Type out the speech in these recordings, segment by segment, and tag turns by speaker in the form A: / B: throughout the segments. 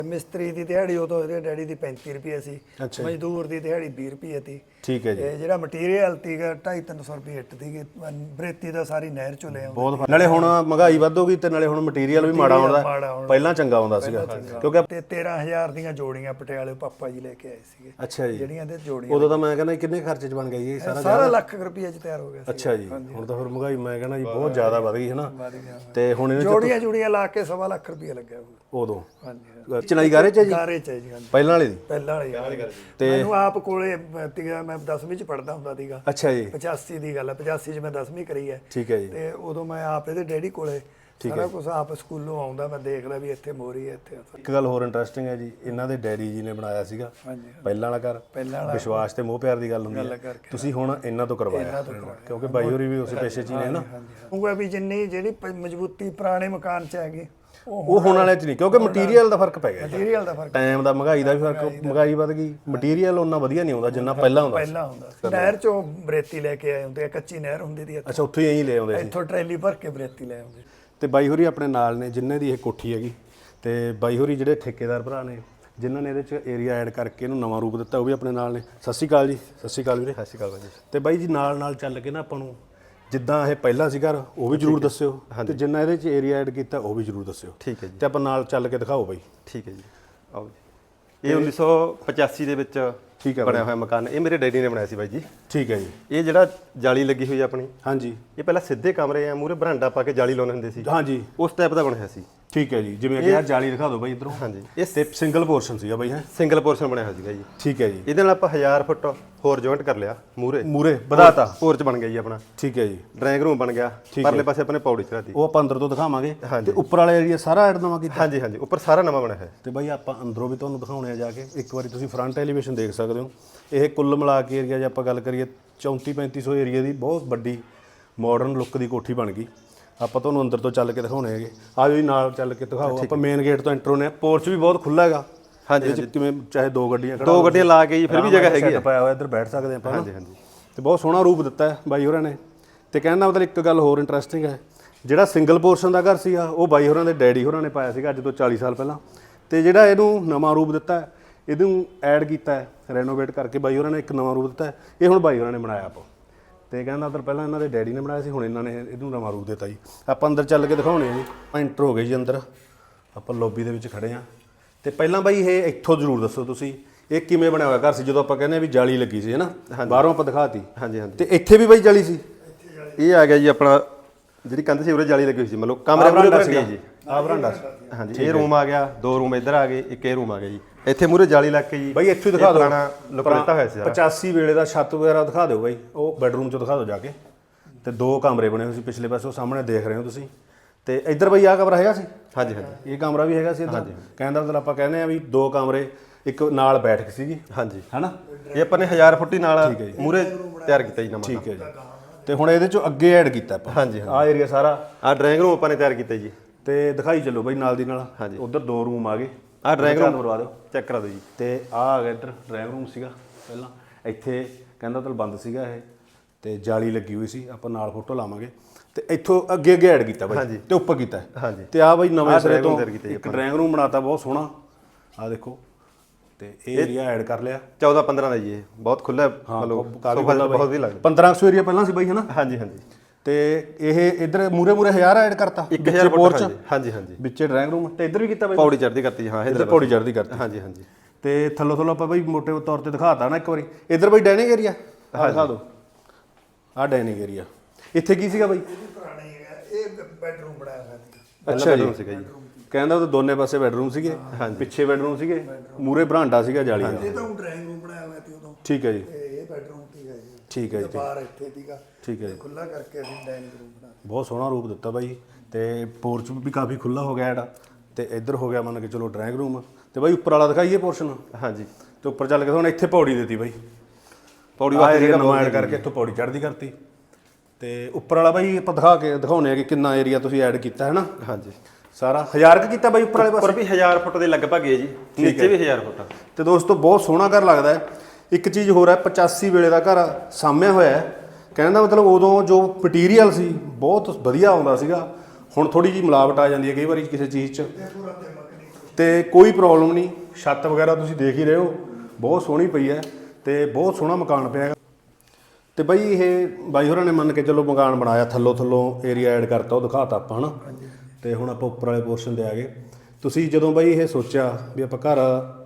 A: ਮਿਸਤਰੀ ਦੀ ਦਿਹਾੜੀ ਉਦੋਂ ਇਹਦੇ ਡੈਡੀ ਦੀ 35 ਰੁਪਏ ਸੀ, ਮਜ਼ਦੂਰ ਦੀ ਦਿਹਾੜੀ 20 ਰੁਪਏ ਸੀ।
B: ਠੀਕ ਹੈ ਜੀ।
A: ਤੇ ਜਿਹੜਾ ਮਟੀਰੀਅਲ ਸੀਗਾ 250-300 ਰੁਪਏ ਇੱਟ ਸੀਗੀ, ਬਰੇਤੀ ਦਾ ਸਾਰੀ ਨਹਿਰ ਚੋਂ ਲੈ ਆਉਂਦੇ।
B: ਬਹੁਤ ਨਾਲੇ ਹੁਣ ਮਹਿੰਗਾਈ ਵੱਧ ਹੋ ਗਈ ਤੇ ਨਾਲੇ ਹੁਣ ਮਟੀਰੀਅਲ ਵੀ ਮਾੜਾ ਆਉਂਦਾ, ਪਹਿਲਾਂ ਚੰਗਾ ਆਉਂਦਾ ਸੀਗਾ ਕਿਉਂਕਿ
A: ਤੇ 13,000 ਦੀਆਂ ਜੋੜੀਆਂ ਪਟਿਆਲੇ ਪਾਪਾ ਜੀ ਲੈ ਕੇ ਆਏ ਸੀਗੇ।
B: ਅੱਛਾ ਜੀ।
A: ਜਿਹੜੀਆਂ ਇਹਦੇ ਜੋੜੀਆਂ
B: ਉਦੋਂ ਤਾਂ ਮੈਂ ਕਹਿੰਦਾ ਕਿੰਨੇ ਖਰਚੇ 'ਚ ਬਣ ਗਿਆ ਜੀ
A: ਸਾਰਾ ਲੱਖ ਰੁਪਏ 'ਚ ਤਿਆਰ ਹੋ ਗਿਆ ਸੀ।
B: ਅੱਛਾ ਜੀ। ਹੁਣ ਤਾਂ ਫਿਰ ਮਹਿੰਗਾਈ ਮੈਂ ਕਹਿੰਦਾ ਜੀ ਬਹੁਤ ਜ਼ਿਆਦਾ ਵੱਧ ਗਈ ਹੈ ਨਾ, ਤੇ ਹੁਣ
A: ਇਹਨੇ ਜੋੜੀਆਂ ਲਾ ਕੇ 1.25 ਲੱਖ ਰੁਪਏ ਲੱਗਿਆ
B: ਉਦੋਂ।
A: ਹਾਂਜੀ
B: ਚਨਾਈ ਗਾਰੇ 'ਚ ਜੀ?
A: ਗਾਰੇ 'ਚ ਜੀ।
B: ਪਹਿਲਾਂ ਵਾਲੀ ਦੀ?
A: ਪਹਿਲਾਂ ਵਾਲੀ। ਤੇ ਮੈਨੂੰ ਆਪ ਕੋਲੇ ਸੀਗਾ, ਮੈਂ 10ਵੀਂ 'ਚ ਪੜ੍ਹਦਾ ਹੁੰਦਾ ਸੀਗਾ।
B: ਅੱਛਾ ਜੀ।
A: 85 ਦੀ ਗੱਲ ਹੈ, 85 'ਚ ਮੈਂ 10ਵੀਂ ਕਰੀ ਹੈ।
B: ਠੀਕ ਹੈ ਜੀ।
A: ਤੇ ਉਦੋਂ ਮੈਂ ਆਪ ਇਹਦੇ ਡੈਡੀ ਕੋਲੇ ਸਾਰਾ ਕੁਝ ਆਪ ਸਕੂਲੋਂ ਆਉਂਦਾ, ਮੈਂ ਦੇਖਦਾ ਵੀ ਇੱਥੇ ਮੋਰੀ ਹੈ ਇੱਥੇ।
B: ਇੱਕ ਗੱਲ ਹੋਰ ਇੰਟਰਸਟਿੰਗ ਹੈ ਜੀ, ਇਹਨਾਂ ਦੇ ਡੈਡੀ ਜੀ ਨੇ ਬਣਾਇਆ ਸੀਗਾ ਪਹਿਲਾਂ ਵਾਲਾ ਘਰ, ਵਿਸ਼ਵਾਸ ਤੇ ਮੋਹ ਪਿਆਰ ਦੀ ਗੱਲ ਹੁੰਦੀ ਹੈ। ਤੁਸੀਂ ਹੁਣ ਇਹਨਾਂ ਤੋਂ ਕਰਵਾਇਆ ਕਿਉਂਕਿ ਬਾਈ ਹੋਰੀ ਵੀ ਉਸੇ ਪੇਸ਼ੇ 'ਚ ਹੀ ਨੇ ਨਾ।
A: ਉਹ ਵੀ ਜਿੰਨੀ ਜਿਹੜੀ ਮਜ਼ਬੂਤੀ ਪੁਰਾਣੇ ਮਕਾਨ 'ਚ ਹੈਗੀ
B: ਉਹ ਹੁਣ ਵਾਲਿਆਂ 'ਚ ਨਹੀਂ, ਕਿਉਂਕਿ ਮਟੀਰੀਅਲ ਦਾ ਫਰਕ ਪੈ ਗਿਆ,
A: ਮਟੀਰੀਅਲ ਦਾ ਫਰਕ,
B: ਟਾਈਮ ਦਾ, ਮਹਿੰਗਾਈ ਦਾ ਵੀ ਫਰਕ, ਮਹਿੰਗਾਈ ਵੱਧ ਗਈ, ਮਟੀਰੀਅਲ ਉਹਨਾਂ ਵਧੀਆ ਨਹੀਂ ਆਉਂਦਾ ਜਿੰਨਾ ਪਹਿਲਾਂ ਹੁੰਦਾ
A: ਸੀ। ਨਹਿਰ 'ਚੋਂ ਬਰੇਤੀ ਲੈ ਕੇ ਆਏ ਹੁੰਦੇ, ਕੱਚੀ ਨਹਿਰ ਹੁੰਦੀ ਸੀ।
B: ਅੱਛਾ, ਉੱਥੋਂ ਹੀ ਇਹੀ ਲੈ ਆਉਂਦੇ ਸੀ,
A: ਇੱਥੋਂ ਟਰੈਲੀ ਭਰ ਕੇ ਬਰੇਤੀ ਲੈ ਆਉਂਦੇ।
B: ਤੇ ਬਾਈ ਹੋਰੀ ਆਪਣੇ ਨਾਲ ਨੇ ਜਿਨ੍ਹਾਂ ਦੀ ਇਹ ਕੋਠੀ ਹੈਗੀ, ਤੇ ਬਾਈ ਹੋਰੀ ਜਿਹੜੇ ਠੇਕੇਦਾਰ ਭਰਾ ਨੇ ਜਿਨ੍ਹਾਂ ਨੇ ਇਹਦੇ 'ਚ ਏਰੀਆ ਐਡ ਕਰਕੇ ਇਹਨੂੰ ਨਵਾਂ ਰੂਪ ਦਿੱਤਾ, ਉਹ ਵੀ ਆਪਣੇ ਨਾਲ ਨੇ। ਸਤਿ ਸ਼੍ਰੀ ਅਕਾਲ ਜੀ। ਸਤਿ ਸ਼੍ਰੀ ਅਕਾਲ ਵੀਰੇ।
C: ਸਤਿ ਸ਼੍ਰੀ ਅਕਾਲ ਜੀ।
B: ਤੇ ਬਾਈ ਜੀ ਨਾਲ ਚੱਲ ਕੇ ਨਾ ਆਪਾਂ ਨੂੰ ਜਿੱਦਾਂ ਇਹ ਪਹਿਲਾਂ ਸੀ ਘਰ ਉਹ ਵੀ ਜ਼ਰੂਰ ਦੱਸਿਓ, ਤੇ ਜਿੰਨਾ ਇਹਦੇ 'ਚ ਏਰੀਆ ਐਡ ਕੀਤਾ ਉਹ ਵੀ ਜ਼ਰੂਰ ਦੱਸਿਓ।
C: ਠੀਕ ਹੈ ਜੀ।
B: ਤੇ ਆਪਾਂ ਨਾਲ ਚੱਲ ਕੇ ਦਿਖਾਓ ਬਾਈ।
C: ਠੀਕ ਹੈ ਜੀ, ਆਓ ਜੀ। ਇਹ 1985 ਦੇ ਵਿੱਚ
B: ਠੀਕ ਹੈ
C: ਬਣਿਆ ਹੋਇਆ ਮਕਾਨ, ਇਹ ਮੇਰੇ ਡੈਡੀ ਨੇ ਬਣਾਇਆ ਸੀ ਬਾਈ ਜੀ।
B: ਠੀਕ ਹੈ ਜੀ।
C: ਇਹ ਜਿਹੜਾ ਜਾਲੀ ਲੱਗੀ ਹੋਈ ਆਪਣੀ,
B: ਹਾਂਜੀ,
C: ਇਹ ਪਹਿਲਾਂ ਸਿੱਧੇ ਕਮਰੇ ਆ, ਮੂਹਰੇ ਬਰਾਂਡਾ ਪਾ ਕੇ ਜਾਲੀ ਲਾਉਂਦੇ ਹੁੰਦੇ ਸੀ।
B: ਹਾਂਜੀ,
C: ਉਸ ਟਾਈਪ ਦਾ ਬਣਿਆ ਸੀ।
B: ਠੀਕ ਹੈ ਜੀ। ਜਿਵੇਂ ਕਿ ਆਹ ਜਾਲੀ ਦਿਖਾ ਦਿਓ ਬਾਈ ਇਧਰੋਂ।
C: ਹਾਂਜੀ,
B: ਇਹ ਸਿੰਗਲ ਪੋਰਸ਼ਨ ਸੀਗਾ ਬਾਈ ਹੈ?
C: ਸਿੰਗਲ ਪੋਰਸ਼ਨ ਬਣਿਆ ਹੋਇਆ ਸੀਗਾ ਜੀ।
B: ਠੀਕ ਹੈ ਜੀ।
C: ਇਹਦੇ ਨਾਲ ਆਪਾਂ 1000 ਫੁੱਟ ਹੋਰ ਜੁਆਇੰਟ ਕਰ ਲਿਆ, ਮੂਹਰੇ
B: ਵਧਾਤਾ,
C: ਪੋਰਚ ਬਣ ਗਿਆ ਜੀ ਆਪਣਾ।
B: ਠੀਕ ਹੈ ਜੀ।
C: ਡਰਾਇੰਗ ਰੂਮ ਬਣ ਗਿਆ, ਪਰਲੇ ਪਾਸੇ ਆਪਣੇ ਪੌੜੀ ਚੜਾਤੀ,
B: ਉਹ ਆਪਾਂ ਅੰਦਰ ਤੋਂ ਦਿਖਾਵਾਂਗੇ। ਤੇ ਉੱਪਰ ਵਾਲਾ ਏਰੀਆ ਸਾਰਾ ਐਡ ਨਵਾਂ ਕੀਤਾ?
C: ਹਾਂਜੀ ਹਾਂਜੀ, ਉੱਪਰ ਸਾਰਾ ਨਵਾਂ ਬਣਿਆ ਹੈ।
B: ਤੇ ਬਾਈ ਆਪਾਂ ਅੰਦਰੋਂ ਵੀ ਤੁਹਾਨੂੰ ਦਿਖਾਉਣੇ ਆ ਜਾ ਕੇ, ਇੱਕ ਵਾਰੀ ਤੁਸੀਂ ਫਰੰਟ ਐਲੀਵੇਸ਼ਨ ਦੇਖ ਸਕਦੇ ਹੋ। ਇਹ ਕੁੱਲ ਮਿਲਾ ਕੇ ਏਰੀਆ ਜੇ ਆਪਾਂ ਗੱਲ ਕਰੀਏ 34-3500 ਏਰੀਆ ਦੀ ਬਹੁਤ ਵੱਡੀ ਮਾਡਰਨ ਲੁੱਕ ਦੀ ਕੋਠੀ ਬਣ ਗਈ। ਆਪਾਂ ਤੁਹਾਨੂੰ ਅੰਦਰ ਤੋਂ ਚੱਲ ਕੇ ਦਿਖਾਉਣੇ ਹੈਗੇ, ਆਜੋ ਜੀ ਨਾਲ ਚੱਲ ਕੇ ਦਿਖਾਓ। ਆਪਾਂ ਮੇਨ ਗੇਟ ਤੋਂ ਐਂਟਰ ਹੋਣੇ ਆ, ਪੋਰਚ ਵੀ ਬਹੁਤ ਖੁੱਲਾ ਹੈਗਾ। ਹਾਂਜੀ, ਕਿਵੇਂ ਚਾਹੇ ਦੋ ਗੱਡੀਆਂ
C: ਲਾ ਕੇ ਜੀ, ਫਿਰ ਵੀ ਜਗ੍ਹਾ ਹੈਗੀ ਹੈ,
B: ਪਾਇਆ ਹੋਇਆ, ਇੱਧਰ ਬੈਠ ਸਕਦੇ ਆਪਾਂ।
C: ਹਾਂਜੀ ਹਾਂਜੀ।
B: ਤੇ ਬਹੁਤ ਸੋਹਣਾ ਰੂਪ ਦਿੱਤਾ ਹੈ ਬਾਈ ਹੋਰਾਂ ਨੇ। ਤੇ ਕਹਿਣ ਦਾ ਮਤਲਬ ਇੱਕ ਗੱਲ ਹੋਰ ਇੰਟਰਸਟਿੰਗ ਹੈ, ਜਿਹੜਾ ਸਿੰਗਲ ਪੋਰਸ਼ਨ ਦਾ ਘਰ ਸੀਗਾ ਉਹ ਬਾਈ ਹੋਰਾਂ ਦੇ ਡੈਡੀ ਹੋਰਾਂ ਨੇ ਪਾਇਆ ਸੀਗਾ ਅੱਜ ਤੋਂ 40 ਸਾਲ ਪਹਿਲਾਂ। ਤੇ ਜਿਹੜਾ ਇਹਨੂੰ ਨਵਾਂ ਰੂਪ ਦਿੱਤਾ ਹੈ, ਇਹਨੂੰ ਐਡ ਕੀਤਾ ਹੈ, ਰੈਨੋਵੇਟ ਕਰਕੇ ਬਾਈ ਹੋਰਾਂ ਨੇ ਇੱਕ ਨਵਾਂ ਰੂਪ ਦਿੱਤਾ ਹੈ। ਇਹ ਹੁਣ ਬਾਈ ਹੋਰਾਂ ਨੇ ਬਣਾਇਆ ਆਪ। ਤੇ ਕਹਿੰਦਾ ਉਧਰ ਪਹਿਲਾਂ ਇਹਨਾਂ ਦੇ ਡੈਡੀ ਨੇ ਬਣਾਇਆ ਸੀ, ਹੁਣ ਇਹਨਾਂ ਨੇ ਇਹਨੂੰ ਨਵਾਂ ਰੂਪ ਦਿੱਤਾ ਜੀ। ਆਪਾਂ ਅੰਦਰ ਚੱਲ ਕੇ ਦਿਖਾਉਣੇ ਆ ਜੀ। ਐਂਟਰ ਹੋ ਗਏ ਜੀ ਅੰਦਰ, ਆਪਾਂ ਲੌਬੀ ਦੇ ਵਿੱਚ ਖੜੇ ਹਾਂ। ਤੇ ਪਹਿਲਾਂ ਬਾਈ ਇਹ ਇੱਥੋਂ ਜ਼ਰੂਰ ਦੱਸੋ ਤੁਸੀਂ, ਇਹ ਕਿਵੇਂ ਬਣਿਆ ਹੋਇਆ ਘਰ ਸੀ? ਜਦੋਂ ਆਪਾਂ ਕਹਿੰਦੇ ਆ ਵੀ ਜਾਲੀ ਲੱਗੀ ਸੀ ਹੈ ਨਾ, ਬਾਹਰੋਂ ਆਪਾਂ ਦਿਖਾਤੀ। ਹਾਂਜੀ ਹਾਂਜੀ। ਤੇ ਇੱਥੇ ਵੀ ਬਾਈ ਜਾਲੀ ਸੀ?
C: ਇਹ ਆ ਗਿਆ ਜੀ ਆਪਣਾ, ਜਿਹੜੀ ਕੰਧ ਸੀ ਉਰੇ ਜਾਲੀ ਲੱਗੀ ਹੋਈ ਸੀ, ਮਤਲਬ ਕਮਰੇ ਪੂਰੇ ਬਣ ਗਏ ਜੀ।
B: ਆਹ ਬਰਾਂਡਾ।
C: ਹਾਂਜੀ, ਇਹ ਰੂਮ ਆ ਗਿਆ, 2 ਰੂਮ ਇੱਧਰ ਆ ਗਏ, ਇੱਕ ਇਹ ਰੂਮ ਆ ਗਿਆ ਜੀ। ਇੱਥੇ ਮੂਰੇ ਜਾਲੀ ਲੱਗ ਕੇ ਜੀ
B: ਬਾਈ ਇੱਥੇ ਦਿਖਾ ਦਿਓ,
C: ਪੁਰਾਣਾ ਲੁੱਕ ਦਿੱਤਾ ਹੋਇਆ ਸੀ।
B: 85 ਵੇਲੇ ਦਾ ਛੱਤ ਵਗੈਰਾ ਦਿਖਾ ਦਿਓ ਬਾਈ, ਉਹ ਬੈਡਰੂਮ 'ਚ ਦਿਖਾ ਦਿਓ ਜਾ ਕੇ। ਤੇ 2 ਕਮਰੇ ਬਣੇ ਹੋਏ ਸੀ ਪਿਛਲੇ ਪਾਸੇ, ਉਹ ਸਾਹਮਣੇ ਦੇਖ ਰਹੇ ਹੋ ਤੁਸੀਂ। ਤੇ ਇੱਧਰ ਬਾਈ ਆਹ ਕਮਰਾ ਹੈਗਾ ਸੀ?
C: ਹਾਂਜੀ ਹਾਂਜੀ,
B: ਇਹ ਕਮਰਾ ਵੀ ਹੈਗਾ ਸੀ ਇੱਧਰ। ਕਹਿਣ ਦਾ ਮਤਲਬ ਆਪਾਂ ਕਹਿੰਦੇ ਆ ਵੀ 2 ਕਮਰੇ, ਇੱਕ ਨਾਲ ਬੈਠਕ ਸੀਗੀ।
C: ਹਾਂਜੀ,
B: ਹੈਨਾ।
C: ਇਹ ਆਪਾਂ ਨੇ 1000 ਫੁੱਟੀ ਨਾਲ ਮੂਰੇ ਤਿਆਰ ਕੀਤਾ ਜੀ ਨਵਾਂ।
B: ਠੀਕ ਹੈ ਜੀ। ਤੇ ਹੁਣ ਇਹਦੇ 'ਚੋਂ ਅੱਗੇ ਐਡ ਕੀਤਾ ਆਪਾਂ। ਹਾਂਜੀ, ਆਹ ਏਰੀਆ ਸਾਰਾ,
C: ਆਹ ਡਰਾਇੰਗ ਰੂਮ ਆਪਾਂ ਨੇ ਤਿਆਰ ਕੀਤਾ ਜੀ।
B: ਤੇ ਦਿਖਾਈ ਚੱਲੋ ਬਾਈ ਨਾਲ ਦੀ ਨਾਲ। ਹਾਂਜੀ, ਉਧਰ 2 ਰੂਮ ਆ ਗਏ।
C: ਆਹ ਡਰਾਇੰਗ ਰੂਮ
B: ਕਰਵਾ ਦਿਓ,
C: ਚੈੱਕ ਕਰਾ ਦਿਓ ਜੀ।
B: ਤੇ ਆਹ ਆ ਗਿਆ ਇੱਧਰ ਡਰਾਇੰਗ ਰੂਮ ਸੀਗਾ ਪਹਿਲਾਂ। ਇੱਥੇ ਕਹਿੰਦਾ ਤਾਂ ਬੰਦ ਸੀਗਾ ਇਹ, ਤੇ ਜਾਲੀ ਲੱਗੀ ਹੋਈ ਸੀ। ਆਪਾਂ ਨਾਲ ਫੋਟੋ ਲਾਵਾਂਗੇ। ਤੇ ਇੱਥੋਂ ਅੱਗੇ ਐਡ ਕੀਤਾ ਬਾਈ, ਤੇ ਉੱਪਰ ਕੀਤਾ। ਹਾਂਜੀ। ਤੇ ਆਹ ਬਾਈ ਨਵੇਂ ਸਿਰੇ ਤੋਂ ਇੱਕ ਡਰਾਇੰਗ ਰੂਮ ਬਣਾਤਾ, ਬਹੁਤ ਸੋਹਣਾ। ਆਹ ਦੇਖੋ, ਤੇ ਇਹ ਏਰੀਆ ਐਡ ਕਰ ਲਿਆ।
C: 14-15 ਦਾ ਜੀ, ਇਹ ਬਹੁਤ ਖੁੱਲਾ, ਮਤਲਬ ਬਹੁਤ ਵਧੀਆ ਲੱਗਦਾ।
B: 1500 ਏਰੀਆ ਪਹਿਲਾਂ ਸੀ ਬਾਈ ਹੈ ਨਾ?
C: ਹਾਂਜੀ ਹਾਂਜੀ।
B: ਤੇ ਇਹ ਇੱਧਰ ਮੂਰੇ 1000 ਐਡ ਕਰਤਾ,
C: 1000 ਪੋਰਚ। ਹਾਂਜੀ ਹਾਂਜੀ,
B: ਵਿੱਚੇ ਡਰਾਇੰਗ ਰੂਮ। ਤੇ ਇੱਧਰ ਵੀ ਕੀਤਾ ਬਾਈ,
C: ਪੌੜੀ ਚੜ੍ਹਦੀ ਕਰਤੀ। ਹਾਂ,
B: ਇੱਧਰ ਪੌੜੀ ਚੜ੍ਹਦੀ ਕਰਤੀ।
C: ਹਾਂਜੀ ਹਾਂਜੀ।
B: ਤੇ ਥੱਲੋਂ ਆਪਾਂ ਬਾਈ ਮੋਟੇ ਤੌਰ ਤੇ ਦਿਖਾਤਾ ਨਾ ਇੱਕ ਵਾਰੀ। ਇੱਧਰ ਬਾਈ ਡਾਈਨਿੰਗ ਏਰੀਆ ਦਿਖਾ ਦਿਓ। ਆਹ ਡਾਈਨਿੰਗ ਏਰੀਆ ਇੱਥੇ ਕੀ ਸੀਗਾ ਬਾਈ?
A: ਇਹ ਬੈਡਰੂਮ ਬਣਾਇਆ ਹੋਇਆ ਸੀ।
B: ਅੱਛਾ ਜੀ, ਸੀਗਾ ਜੀ। ਕਹਿੰਦਾ ਉਹ ਦੋਨੇ ਪਾਸੇ ਬੈਡਰੂਮ ਸੀਗੇ, ਪਿੱਛੇ ਬੈਡਰੂਮ ਸੀਗੇ, ਮੂਰੇ ਬਰਾਂਡਾ ਸੀਗਾ ਜਾਲੀ ਦਾ।
A: ਇਹ ਤਾਂ ਡਰਾਇੰਗ ਰੂਮ ਬਣਾਇਆ ਹੋਇਆ ਸੀ ਉਦੋਂ।
B: ਠੀਕ ਹੈ ਜੀ।
A: ਇਹ ਬੈਡਰੂਮ ਸੀਗਾ ਜੀ।
B: ਠੀਕ ਹੈ ਜੀ।
A: ਬਾਹਰ ਇੱਥੇ ਸੀਗਾ।
B: ਠੀਕ ਹੈ ਜੀ।
A: ਖੁੱਲਾ ਕਰਕੇ ਅਸੀਂ ਡਾਈਨਿੰਗ ਰੂਮ ਬਣਾ।
B: ਬਹੁਤ ਸੋਹਣਾ ਰੂਪ ਦਿੱਤਾ ਬਾਈ। ਤੇ ਪੋਰਚ ਵੀ ਕਾਫੀ ਖੁੱਲਾ ਹੋ ਗਿਆ ਐਡਾ। ਤੇ ਇੱਧਰ ਹੋ ਗਿਆ ਮੰਨ ਕੇ ਚਲੋ ਡਰਾਇੰਗ ਰੂਮ। ਤੇ ਬਾਈ ਉੱਪਰ ਵਾਲਾ ਦਿਖਾਈਏ ਪੋਰਸ਼ਨ? ਹਾਂਜੀ। ਤੇ ਉੱਪਰ ਚੱਲ ਕੇ ਹੁਣ ਇੱਥੇ ਪੌੜੀ ਦਿੱਤੀ ਬਾਈ, ਪੌੜੀ ਵਾਲਾ ਨਵਾਂ ਐਡ ਕਰਕੇ ਇੱਥੋਂ ਪੌੜੀ ਚੜ੍ਹਦੀ ਕਰਤੀ। ਤੇ ਉੱਪਰ ਵਾਲਾ ਬਾਈ ਆਪਾਂ ਦਿਖਾਉਣੇ ਆ ਕਿ ਕਿੰਨਾ ਏਰੀਆ ਤੁਸੀਂ ਐਡ ਕੀਤਾ ਹੈ ਨਾ? ਹਾਂਜੀ, ਸਾਰਾ 1000 ਕੀਤਾ ਬਾਈ ਉੱਪਰ ਵਾਲੇ ਪਾਸੇ?
C: ਉੱਪਰ ਵੀ 1000 ਫੁੱਟ ਦੇ ਲਗਭਗ ਹੈ ਜੀ, ਨੀਚੇ ਵੀ 1000 ਫੁੱਟ।
B: ਤੇ ਦੋਸਤੋ ਬਹੁਤ ਸੋਹਣਾ ਘਰ ਲੱਗਦਾ ਹੈ। ਇੱਕ ਚੀਜ਼ ਹੋਰ ਹੈ, 85 ਵੇਲੇ ਦਾ ਘਰ ਸਾਂਭਿਆ ਹੋਇਆ ਹੈ। ਕਹਿਣ ਦਾ ਮਤਲਬ ਉਦੋਂ ਜੋ ਮਟੀਰੀਅਲ ਸੀ ਬਹੁਤ ਵਧੀਆ ਆਉਂਦਾ ਸੀਗਾ। ਹੁਣ ਥੋੜੀ ਜਿਹੀ ਮਿਲਾਵਟ ਆ ਜਾਂਦੀ ਹੈ ਕਈ ਵਾਰੀ ਕਿਸੇ ਚੀਜ਼ 'ਚ। ਤੇ ਕੋਈ ਪ੍ਰੋਬਲਮ ਨਹੀਂ। ਛੱਤ ਵਗੈਰਾ ਤੁਸੀਂ ਦੇਖ ਹੀ ਰਹੇ ਹੋ, ਬਹੁਤ ਸੋਹਣੀ ਪਈ ਹੈ ਤੇ ਬਹੁਤ ਸੋਹਣਾ ਮਕਾਨ ਪਿਆ ਹੈਗਾ। ਤੇ ਬਾਈ ਇਹ ਬਾਈ ਹੋਰਾਂ ਨੇ ਮੰਨ ਕੇ ਚਲੋ ਮਕਾਨ ਬਣਾਇਆ, ਥੱਲੋਂ ਏਰੀਆ ਐਡ ਕਰਤਾ, ਉਹ ਦਿਖਾਤਾ ਆਪਾਂ ਹਨਾ। ਤੇ ਹੁਣ ਆਪਾਂ ਉੱਪਰ ਵਾਲੇ ਪੋਰਸ਼ਨ ਤੇ ਆ ਗਏ। ਤੁਸੀਂ ਜਦੋਂ ਬਾਈ ਇਹ ਸੋਚਿਆ ਵੀ ਆਪਾਂ ਘਰ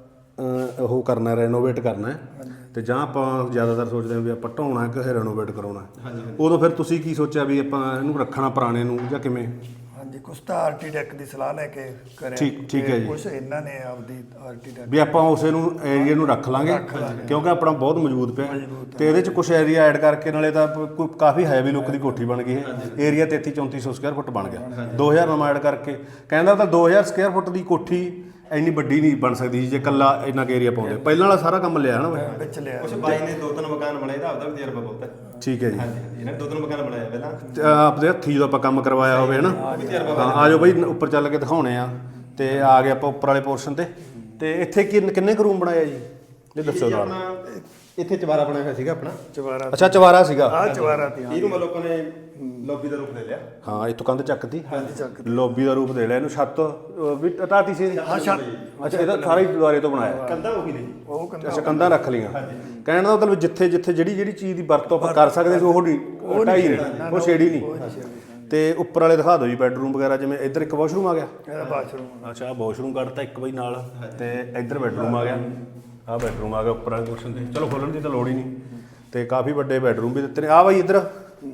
B: ਉਹ ਕਰਨਾ, ਰੈਨੋਵੇਟ ਕਰਨਾ ਹੈ, ਤੇ ਜਾਂ ਆਪਾਂ ਜ਼ਿਆਦਾਤਰ ਸੋਚਦੇ ਹਾਂ ਵੀ ਆਪਾਂ ਢਾਉਣਾ ਕਿ ਰੈਨੋਵੇਟ ਕਰਾਉਣਾ, ਉਦੋਂ ਫਿਰ ਤੁਸੀਂ ਕੀ ਸੋਚਿਆ ਵੀ ਆਪਾਂ ਇਹਨੂੰ ਰੱਖਣਾ ਪੁਰਾਣੇ ਨੂੰ ਜਾਂ ਕਿਵੇਂ?
A: ਹਾਂਜੀ, ਕੁਛ ਤਾਂ ਆਰਕੀਟੈਕਟ ਦੀ ਸਲਾਹ ਲੈ ਕੇ ਕਰਿਆ।
B: ਠੀਕ ਹੈ ਜੀ।
A: ਕੁਛ ਇਹਨਾਂ ਨੇ ਆਪਦੀ ਆਰਕੀਟੈਕਟ
B: ਵੀ ਆਪਾਂ ਉਸੇ ਨੂੰ ਏਰੀਆ ਨੂੰ ਰੱਖ ਲਾਂਗੇ ਕਿਉਂਕਿ ਆਪਣਾ ਬਹੁਤ ਮਜ਼ਬੂਤ ਪਿਆ ਤੇ ਇਹਦੇ ਚ ਕੁਝ ਏਰੀਆ ਐਡ ਕਰਕੇ ਨਾਲੇ ਤਾਂ ਕਾਫੀ ਹੈਵੀ ਲੁੱਕ ਦੀ ਕੋਠੀ ਬਣ ਗਈ ਹੈ। ਏਰੀਆ 33-3400 ਸਕੁਅਰ ਫੁੱਟ ਬਣ ਗਿਆ। 2000 ਨਵਾਂ ਐਡ ਕਰਕੇ ਕਹਿੰਦਾ ਤਾਂ 2000 ਸਕੁਅਰ ਫੁੱਟ ਦੀ ਕੋਠੀ ਇੰਨੀ ਵੱਡੀ ਨਹੀਂ ਬਣ ਸਕਦੀ ਸੀ ਜੇ ਕੱਲਾ ਇੰਨਾ ਏਰੀਆ ਪਾਉਂਦੇ। ਪਹਿਲਾਂ ਵਾਲਾ ਸਾਰਾ ਕੰਮ ਲਿਆ ਹਨਾ
A: ਵਿੱਚ ਲਿਆ।
C: ਕੁਛ ਬਾਈ ਨੇ 2-3 ਮਕਾਨ ਬਣਾਏ ਤਾਂ ਆਪਦਾ ਵੀ ਤਜਰਬਾ ਬਹੁਤ ਹੈ।
B: ਠੀਕ ਹੈ ਜੀ।
C: ਹਾਂਜੀ, ਇਹਨੇ 2-3 ਮਕਾਨ ਬਣਾਏ ਪਹਿਲਾਂ,
B: ਆਪਦੇ ਹੱਥੀ ਜਦੋਂ ਆਪਾਂ ਕੰਮ ਕਰਵਾਇਆ ਹੋਵੇ ਹਨਾ। ਹਾਂ, ਆ ਜਾਓ ਬਾਈ ਉੱਪਰ ਚੱਲ ਕੇ ਦਿਖਾਉਣੇ ਆ। ਤੇ ਆ ਗਏ ਆਪਾਂ ਉੱਪਰ ਵਾਲੇ ਪੋਰਸ਼ਨ ਤੇ ਇੱਥੇ ਕਿੰਨੇ ਕੁ ਰੂਮ ਬਣਾਇਆ ਜੀ ਇਹ ਦੱਸੋ ਨਾਲ।
C: ਇੱਥੇ ਚਵਾਰਾ ਬਣਾਇਆ ਹੋਇਆ ਸੀਗਾ ਆਪਣਾ।
A: ਚਵਾਰਾ
B: ਅੱਛਾ, ਚਵਾਰਾ ਸੀਗਾ।
A: ਆ ਚਵਾਰਾ ਤੀ।
C: ਇਹਨੂੰ ਮਤਲਬ ਲੋਕਾਂ ਨੇ ਲੌਬੀ ਦਾ ਰੂਪ ਦੇ ਲਿਆ।
B: ਹਾਂ, ਇੱਥੋਂ ਕੰਧ ਚੱਕਤੀ,
A: ਹਾਂਜੀ ਚੱਕ
B: ਲੌਬੀ ਦਾ ਰੂਪ ਦੇ ਲਿਆ ਇਹਨੂੰ। ਛੱਤ ਵੀ ਢਾਤੀ ਸੀ।
A: ਹਾਂ ਛੱਤ।
B: ਅੱਛਾ, ਇਹਦਾ ਸਾਰਾ ਹੀ ਦੁਆਰੇ ਤੋਂ ਬਣਾਇਆ।
C: ਕੰਧਾਂ ਉਹੀ ਨੇ।
A: ਉਹ ਕਹਿੰਦਾ
B: ਅੱਛਾ, ਕੰਧਾਂ ਰੱਖ ਲਈਆਂ। ਕਹਿਣ ਦਾ ਮਤਲਬ ਜਿੱਥੇ ਜਿਹੜੀ ਚੀਜ਼ ਦੀ ਵਰਤੋਂ ਆਪਾਂ ਕਰ ਸਕਦੇ ਸੀ ਉਹ ਢਾਈ ਨਹੀਂ, ਉਹ ਛੇੜੀ ਨਹੀਂ। ਤੇ ਉੱਪਰ ਵਾਲੇ ਦਿਖਾ ਦਿਓ ਜੀ ਬੈਡਰੂਮ ਵਗੈਰਾ। ਜਿਵੇਂ ਇੱਧਰ ਇੱਕ ਵਾਸ਼ਰੂਮ ਆ ਗਿਆ।
A: ਇਹਦਾ ਬਾਥਰੂਮ।
B: ਅੱਛਾ, ਵਾਸ਼ਰੂਮ ਕੱਢਤਾ ਇੱਕ ਬਈ ਨਾਲ, ਤੇ ਇੱਧਰ ਬੈਡਰੂਮ ਆ ਗਿਆ। ਆਹ ਬੈਡਰੂਮ ਆ ਗਿਆ ਉੱਪਰ ਵਾਲੇ ਪੋਰਸ਼ਨ ਤੇ। ਚਲੋ ਖੋਲਣ ਦੀ ਤਾਂ ਲੋੜ ਹੀ ਨਹੀਂ। ਤੇ ਕਾਫੀ ਵੱਡੇ ਬੈਡਰੂਮ ਵੀ ਦਿੱਤੇ ਨੇ। ਆ ਬਾਈ ਇੱਧਰ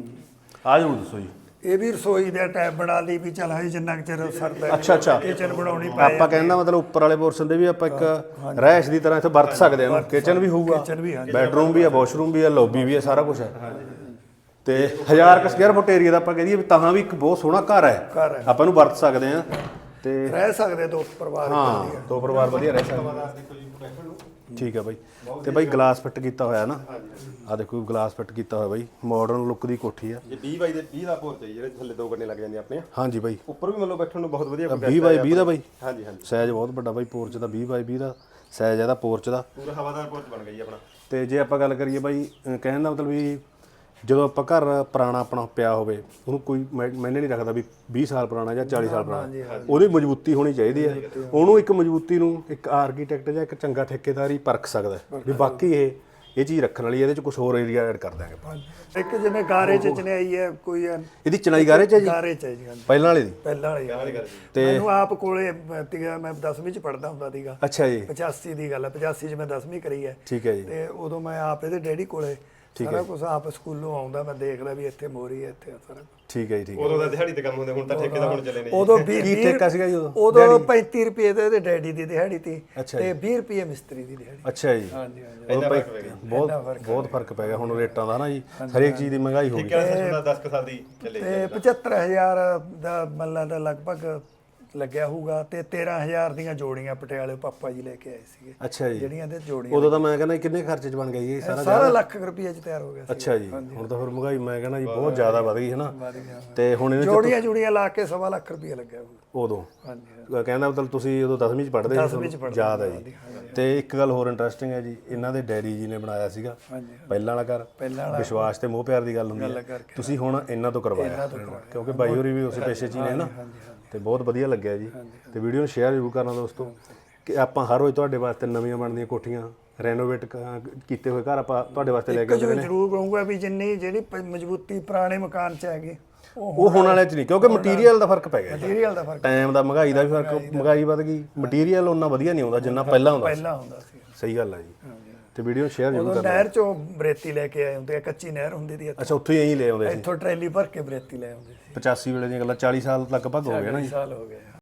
B: ਆ ਜ਼ਰੂਰ ਦੱਸੋ ਜੀ।
A: ਇਹ ਵੀ ਰਸੋਈ ਦੇ ਟੈਬ ਬਣਾ ਲਈ ਵੀ ਚੱਲ ਹਜੇ ਜਿੰਨਾ ਕੁ ਚਿਰ ਸਰਦਾ।
B: ਅੱਛਾ।
A: ਕਿਚਨ ਬਣਾਉਣੀ ਪਈ।
B: ਆਪਾਂ ਕਹਿੰਦਾ ਮਤਲਬ ਉੱਪਰ ਵਾਲੇ ਪੋਰਸ਼ਨ ਦੇ ਵੀ ਆਪਾਂ ਇੱਕ ਰਹਿਸ਼ ਦੀ ਤਰ੍ਹਾਂ ਇੱਥੇ ਵਰਤ ਸਕਦੇ ਹਾਂ। ਕਿਚਨ ਵੀ ਹੋਊਗਾ,
A: ਕਿਚਨ ਵੀ ਹਾਂਜੀ।
B: ਬੈਡਰੂਮ ਵੀ ਆ, ਵਾਸ਼ਰੂਮ ਵੀ ਆ, ਲੌਬੀ ਵੀ ਆ, ਸਾਰਾ ਕੁਝ ਹੈ। ਤੇ 1000 ਸਕੁਅਰ ਫੁੱਟ ਏਰੀਆ ਦਾ ਆਪਾਂ ਕਹ ਦਈਏ ਵੀ ਤਾਂ ਵੀ ਇੱਕ ਬਹੁਤ ਸੋਹਣਾ ਘਰ ਹੈ। ਆਪਾਂ ਨੂੰ ਵਰਤ ਸਕਦੇ ਹਾਂ ਤੇ
A: ਰਹਿ ਸਕਦੇ ਦੋ ਪਰਿਵਾਰ।
B: ਹਾਂ, ਦੋ ਪਰਿਵਾਰ ਵਧੀਆ ਰਹਿ ਸਕਦੇ। ਠੀਕ ਹੈ ਬਾਈ। ਤੇ ਬਾਈ ਗਲਾਸ ਫਿੱਟ ਕੀਤਾ ਹੋਇਆ ਨਾ, ਆ ਦੇਖੋ ਗਲਾਸ ਫਿੱਟ ਕੀਤਾ ਹੋਇਆ ਬਾਈ। ਮਾਡਰਨ ਲੁੱਕ ਦੀ ਕੋਠੀ ਆ।
C: ਇਹ 20 ਬਾਈ ਦੇ 20 ਦਾ ਪੋਰਚ ਹੈ ਜਿਹੜੇ ਥੱਲੇ 2 ਗੱਡੇ ਲੱਗ ਜਾਂਦੇ ਆਪਣੇ।
B: ਹਾਂਜੀ ਬਾਈ,
C: ਉੱਪਰ ਵੀ ਮਤਲਬ ਬੈਠਣ ਨੂੰ ਬਹੁਤ ਵਧੀਆ
B: 20 ਬਾਈ 20 ਦਾ ਬਾਈ।
C: ਹਾਂਜੀ।
B: ਸਾਈਜ਼ ਬਹੁਤ ਵੱਡਾ ਬਾਈ ਪੋਰਚ ਦਾ। 20 ਬਾਈ 20 ਦਾ ਸਾਈਜ਼ ਇਹਦਾ ਪੋਰਚ ਦਾ।
C: ਪੂਰਾ ਹਵਾਦਾਰ ਪੋਰਚ ਬਣ ਗਿਆ ਜੀ ਆਪਣਾ।
B: ਤੇ ਜੇ ਆਪਾਂ ਗੱਲ ਕਰੀਏ ਬਾਈ, ਕਹਿਣ ਦਾ ਮਤਲਬ ਵੀ ਜਦੋਂ ਆਪਾਂ ਘਰ ਪੁਰਾਣਾ ਆਪਣਾ ਪਿਆ ਹੋਵੇ ਉਹਨੂੰ ਕੋਈ ਮੈਨੇ ਨਹੀਂ ਰੱਖਦਾ ਵੀ 20 ਸਾਲ ਪੁਰਾਣਾ ਜਾਂ 40 ਸਾਲ ਪੁਰਾਣਾ, ਉਹਦੀ ਮਜ਼ਬੂਤੀ ਹੋਣੀ ਚਾਹੀਦੀ ਹੈ। ਉਹਨੂੰ ਇੱਕ ਮਜ਼ਬੂਤੀ ਨੂੰ ਇੱਕ ਆਰਕੀਟੈਕਟ ਜਾਂ ਇੱਕ ਚੰਗਾ ਠੇਕੇਦਾਰ ਹੀ ਪਰਖ ਸਕਦਾ ਵੀ ਬਾਕੀ ਇਹ ਚੀਜ਼ ਰੱਖਣ ਵਾਲੀ। ਇਹਦੇ ਚ ਕੁਝ ਹੋਰ ਏਰੀਆ ਐਡ ਕਰ ਦਾਂਗੇ।
A: ਇੱਕ ਜਿਵੇਂ ਗਾਰੇ ਚ ਚਨਾਈ ਹੈ ਕੋਈ।
B: ਇਹਦੀ ਚਨਾਈ ਗਾਰੇ ਚ ਹੈ ਜੀ,
A: ਗਾਰੇ ਚ ਹੈ ਜੀ। ਹਾਂਜੀ,
B: ਪਹਿਲਾਂ ਵਾਲੇ ਦੀ।
A: ਪਹਿਲਾਂ ਵਾਲੀ
B: ਤੇ
A: ਮੈਨੂੰ ਆਪ ਕੋਲੇ ਤੀਗਾ, ਮੈਂ 10ਵੀਂ ਚ ਪੜਦਾ ਹੁੰਦਾ ਸੀਗਾ।
B: ਅੱਛਾ ਜੀ।
A: 85 ਦੀ ਗੱਲ ਹੈ। 85 ਚ ਮੈਂ 10ਵੀਂ ਕਰੀ ਹੈ।
B: ਠੀਕ ਹੈ ਜੀ।
A: ਤੇ ਉਦੋਂ ਮੈਂ ਆਪ ਇਹਦੇ ਡੈਡੀ ਕੋਲੇ ਸਾਰਾ ਕੁਝ ਆਪ ਸਕੂਲੋਂ ਆਉਂਦਾ, ਮੈਂ ਦੇਖਦਾ ਵੀ ਇੱਥੇ ਮੋਰੀ ਹੈ, ਇੱਥੇ ਸਾਰਾ।
B: ਠੀਕ ਹੈ ਜੀ। ਠੀਕ ਹੈ।
C: ਉਦੋਂ ਦਾ ਦਿਹਾੜੀ ਤੇ ਕੰਮ ਹੁੰਦੇ, ਹੁਣ ਤਾਂ ਠੇਕੇ ਦਾ ਹੁਣ ਚੱਲੇ ਨੇ।
A: ਉਦੋਂ
B: ਕੀ ਠੇਕਾ ਸੀਗਾ ਜੀ ਉਦੋਂ?
A: ਉਦੋਂ 35 ਰੁਪਏ ਤੇ ਇਹਦੇ ਡੈਡੀ ਦੀ ਦਿਹਾੜੀ ਤੀ
B: ਅੱਛਾ
A: ਤੇ 20 ਰੁਪਏ ਮਿਸਤਰੀ ਦੀ ਦਿਹਾੜੀ।
B: ਅੱਛਾ ਜੀ।
A: ਹਾਂਜੀ ਹਾਂਜੀ।
B: ਬਹੁਤ ਫਰਕ ਪੈ ਗਿਆ ਹੁਣ ਰੇਟਾਂ ਦਾ ਨਾ ਜੀ। ਹਰੇਕ ਚੀਜ਼ ਦੀ ਮਹਿੰਗਾਈ ਹੋ ਗਈ।
C: ਠੇਕੇ ਦਾ 10 ਸਾਲ ਦੀ ਚੱਲੇ।
A: ਤੇ 75000 ਦਾ ਮੱਲਾ ਦਾ ਲਗਭਗ ਲੱਗਿਆ ਹੋਊਗਾ। ਤੇ 13000 ਦੀਆਂ ਜੋੜੀਆਂ ਪਟਿਆਲੇ ਪਾਪਾ ਜੀ ਲੈ ਕੇ ਆਏ ਸੀਗੇ।
B: ਅੱਛਾ ਜੀ।
A: ਜਿਹੜੀਆਂ ਇਹਦੇ ਜੋੜੀਆਂ
B: ਉਦੋਂ ਤਾਂ ਮੈਂ ਕਹਿੰਦਾ ਕਿੰਨੇ ਖਰਚੇ ਚ ਬਣ ਗਿਆ ਜੀ ਇਹ ਸਾਰਾ?
A: ਸਾਰਾ ਲੱਖ ਰੁਪਏ ਚ ਤਿਆਰ ਹੋ ਗਿਆ ਸੀ।
B: ਅੱਛਾ ਜੀ। ਹੁਣ ਤਾਂ ਫਿਰ ਮਹਿੰਗਾਈ ਮੈਂ ਕਹਿੰਦਾ ਜੀ ਬਹੁਤ ਜ਼ਿਆਦਾ ਵਧ ਗਈ ਹੈ ਨਾ। ਤੇ ਹੁਣ ਇਹਨੇ
A: ਜੋੜੀਆਂ ਲਾ ਕੇ 1.25 ਲੱਖ ਰੁਪਏ ਲੱਗਿਆ ਹੋਊਗਾ
B: ਉਦੋਂ।
A: ਹਾਂਜੀ।
B: ਕਹਿੰਦਾ ਮਤਲਬ ਤੁਸੀਂ ਉਦੋਂ 10ਵੀਂ ਚ ਪੜ੍ਹਦੇ ਸੀ, ਯਾਦ ਹੈ ਜੀ। ਤੇ ਇੱਕ ਗੱਲ ਹੋਰ ਇੰਟਰਸਟਿੰਗ ਹੈ ਜੀ, ਇਹਨਾਂ ਦੇ ਡੈਡੀ ਜੀ ਨੇ ਬਣਾਇਆ ਸੀਗਾ ਪਹਿਲਾਂ ਵਾਲਾ ਘਰ। ਵਿਸ਼ਵਾਸ ਤੇ ਮੋਹ ਪਿਆਰ ਦੀ ਗੱਲ ਹੁੰਦੀ ਹੈ। ਤੁਸੀਂ ਹੁਣ ਇਹਨਾਂ ਤੋਂ ਕਰਵਾਇਆ ਕਿਉਂਕਿ ਬਾਈ ਹੋਰੀ ਵੀ ਉਸੇ ਪੇਸ਼ੇ 'ਚ ਹੀ ਨੇ ਨਾ। ਤੇ ਬਹੁਤ ਵਧੀਆ ਲੱਗਿਆ ਜੀ। ਤੇ ਵੀਡੀਓ ਨੂੰ ਸ਼ੇਅਰ ਜ਼ਰੂਰ ਕਰਨਾ ਦੋਸਤੋ ਕਿ ਆਪਾਂ ਹਰ ਰੋਜ਼ ਤੁਹਾਡੇ ਵਾਸਤੇ ਨਵੀਆਂ ਬਣਦੀਆਂ ਕੋਠੀਆਂ, ਰੈਨੋਵੇਟ ਕੀਤੇ ਹੋਏ ਘਰ ਆਪਾਂ ਤੁਹਾਡੇ ਵਾਸਤੇ ਲੈ ਕੇ ਆਉਂਦੇ ਨੇ।
A: ਜ਼ਰੂਰ ਕਹੂੰਗਾ ਵੀ ਜਿੰਨੀ ਜਿਹੜੀ ਮਜ਼ਬੂਤੀ ਪੁਰਾਣੇ ਮਕਾਨ 'ਚ ਹੈਗੀ
B: ਉਹ ਹੋਣ ਵਾਲੇ 'ਚ ਨਹੀਂ, ਕਿਉਂਕਿ ਮਟੀਰੀਅਲ ਦਾ ਫਰਕ ਪੈ ਗਿਆ।
A: ਮਟੀਰੀਅਲ ਦਾ ਫਰਕ,
B: ਟਾਈਮ ਦਾ, ਮਹਿੰਗਾਈ ਦਾ ਵੀ ਫਰਕ। ਮਹਿੰਗਾਈ ਵੱਧ ਗਈ, ਮਟੀਰੀਅਲ ਉਹਨਾਂ ਵਧੀਆ ਨਹੀਂ ਆਉਂਦਾ ਜਿੰਨਾ ਪਹਿਲਾਂ
A: ਹੁੰਦਾ ਸੀ।
B: ਸਹੀ ਗੱਲ ਹੈ ਜੀ। ਤੇ ਵੀਡੀਓ ਸ਼ੇਅਰ ਜ਼ਰੂਰ
A: ਕਰਨਾ। ਨਹਿਰ 'ਚੋਂ ਬਰੇਤੀ ਲੈ ਕੇ ਆਏ ਹੁੰਦੇ ਆ, ਕੱਚੀ ਨਹਿਰ ਹੁੰਦੀ ਦੀ।
B: ਅੱਛਾ, ਉੱਥੋਂ ਹੀ ਐਂ ਲੈ ਆਉਂਦੇ ਸੀ।
A: ਇੱਥੋਂ ਟਰੈਲੀ ਭਰ ਕੇ ਬਰੇਤੀ ਲੈ ਆਉਂਦੇ ਸੀ।
B: 85 ਵੇਲੇ ਦੀਆਂ ਗੱਲਾਂ, 40 ਸਾਲ ਲਗਭਗ ਹੋ ਗਏ ਨਾ ਜੀ।
A: 40 ਸਾਲ ਹੋ ਗਏ।